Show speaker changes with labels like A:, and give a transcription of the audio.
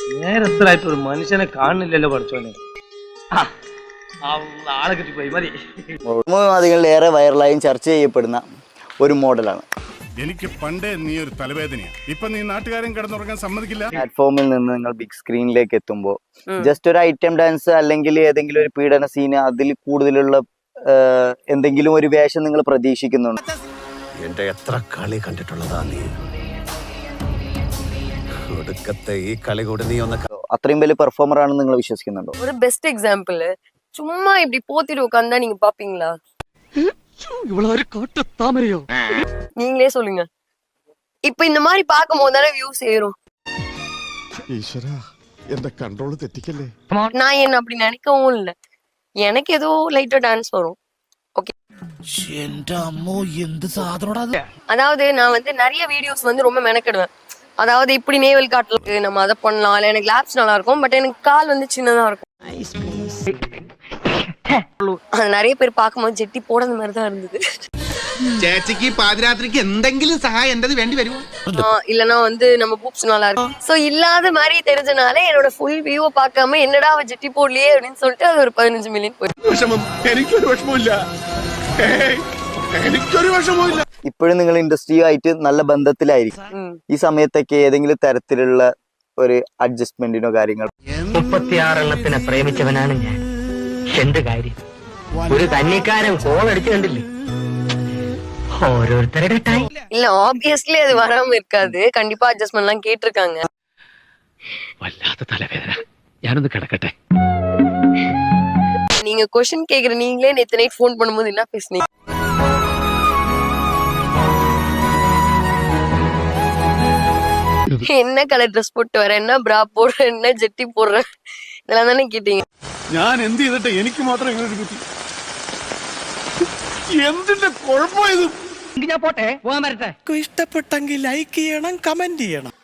A: നേരത്തിലായിട്ട് ഒരു മനുഷ്യനെ കാണുന്നില്ലല്ലോ പഠിച്ചോനെ. ആളെ കിട്ടിപ്പോയി മതി.
B: സമൂഹമാധ്യമങ്ങളിലേറെ വൈറലായും ചർച്ച ചെയ്യപ്പെടുന്ന ഒരു മോഡലാണ്.
C: എനിക്ക് പണ്ടേ നീ ഒരു തലവേദനയാ. ഇപ്പൊ നീ നാട്ടുകാരൻ കിടന്നുറങ്ങാൻ സമ്മതിക്കില്ല.
B: പ്ലാറ്റ്ഫോമിൽ നിന്ന് നിങ്ങൾ ബിഗ് സ്ക്രീനിലേക്ക് എത്തുമ്പോൾ ജസ്റ്റ് ഒരു ഐറ്റം ഡാൻസ് അല്ലെങ്കിൽ ഏതെങ്കിലും ഒരു പീഡന സീന് അതിൽ കൂടുതലുള്ള എന്തെങ്കിലും ഒരു വേഷം നിങ്ങൾ പ്രതീക്ഷിക്കുന്നുണ്ട്?
D: എന്റെ എത്ര കളി കണ്ടിട്ടുള്ളതാ നീ. ഒടുക്കത്തെ ഈ കളി കൂടെ നീ ഒന്ന്
B: അത്രയും വലിയ പെർഫോമർ ആണെന്ന് നിങ്ങൾ വിശ്വസിക്കുന്നുണ്ടോ?
E: ஒரு பெஸ்ட் எக்ஸாம்பிள் சும்மா இப்படி போத்திட்டு உட்கார்ந்தா நீங்க பாப்பீங்களா?
F: இவ்வளவு ஒரு காட்டு தாமரையோ?
E: நீங்களே சொல்லுங்க. இப்ப இந்த மாதிரி பாக்கும்போது தானே வியூஸ் ஏறும்.
C: ഈശ്വരാ എന്റെ കൺട്രോൾ തെറ്റിക്കല്ലേ.
E: நான் என்ன அப்படி நினைக்கவும் இல்ல. எனக்கு ஏதோ லைட்டா டான்ஸ் வரும். ஓகே. அதாவது நான் வந்து நிறைய வீடியோஸ் வந்து ரொம்ப மெனக்கிடுவேன். அதாவது இப்படி நேவல் காட்டுல நம்ம அதை பண்ணலாம், இல்ல எனக்கு லாப்ஸ் நல்லா இருக்கும், பட் எனக்கு கால் வந்து சின்னதா இருக்கும். அது நிறைய பேர் பார்க்கும்போது ஜெட்டி போடுற மாதிரி தான் இருந்தது.
G: ചേച്ചിക്ക് പാതിരാത്രിക്ക് എന്തെങ്കിലും സഹായം എന്റേത് വേണ്ടി വരുമോ?
E: இல்லனா வந்து நம்ம பூப்ஸ் நல்லா இருக்கும். சோ இல்லாத மாதிரி தெரிஞ்சனால என்னோட ஃபுல் வியூவை பார்க்காம என்னடா அவ ஜெட்டி போடலையே அப்படின்னு சொல்லிட்டு அது ஒரு 15 மில்லியன் போயிடுச்சு.
C: വിഷമം എനിക്കൊരു വിഷമമില്ല. എനിക്കൊരു വിഷമമില്ല.
B: ഇപ്പോഴും നിങ്ങൾ ഇൻഡസ്ട്രിയുമായിട്ട് നല്ല ബന്ധത്തിലായിരിക്കും. ഈ സമയത്തൊക്കെ ഏതെങ്കിലും തരത്തിലുള്ള ഒരു അഡ്ജസ്റ്റ്മെന്റിനോ കാര്യങ്ങൾ?
F: 36 എണ്ണത്തിനെ പ്രേമിച്ചവനാണ് ഞാൻ. എന്ത് കാര്യം, ഒരു കന്നിക്കാരൻ കോൾ അടിച്ചു കണ്ടില്ലേ? ഓരോരുത്തരുടെ ടൈം.
E: இல்ல ஆப்வியஸ்லி அது வராம இருக்காது. கண்டிப்பா அட்ஜஸ்ட்மென்ட் எல்லாம் கேட்டிருக்காங்க.
F: വല്ലാത്ത തലവേദന, ഞാനൊന്ന് കിടക്കട്ടെ.
E: நீங்க क्वेश्चन கேக்குற நீங்களே நேத்து நைட் ஃபோன் பண்ணும்போது என்ன பேசுனீங்க? என்ன கலர் ட்ரெஸ் போட்டு வர, என்ன பிரா போடுற, என்ன ஜெட்டி போடுற, இதெல்லாம் தானே கேட்டீங்க.
C: ഞാൻ എന്ത് ചെയ്തിട്ട് എനിക്ക് മാത്രം ഇങ്ങനെ ഒരു കുത്തി? എന്തിന്റെ കുഴപ്പമായത്?
F: ഞാൻ പോട്ടെ, പോകാൻ വരട്ടെ.
G: ഇഷ്ടപ്പെട്ടെങ്കിൽ ലൈക്ക് ചെയ്യണം, കമന്റ് ചെയ്യണം.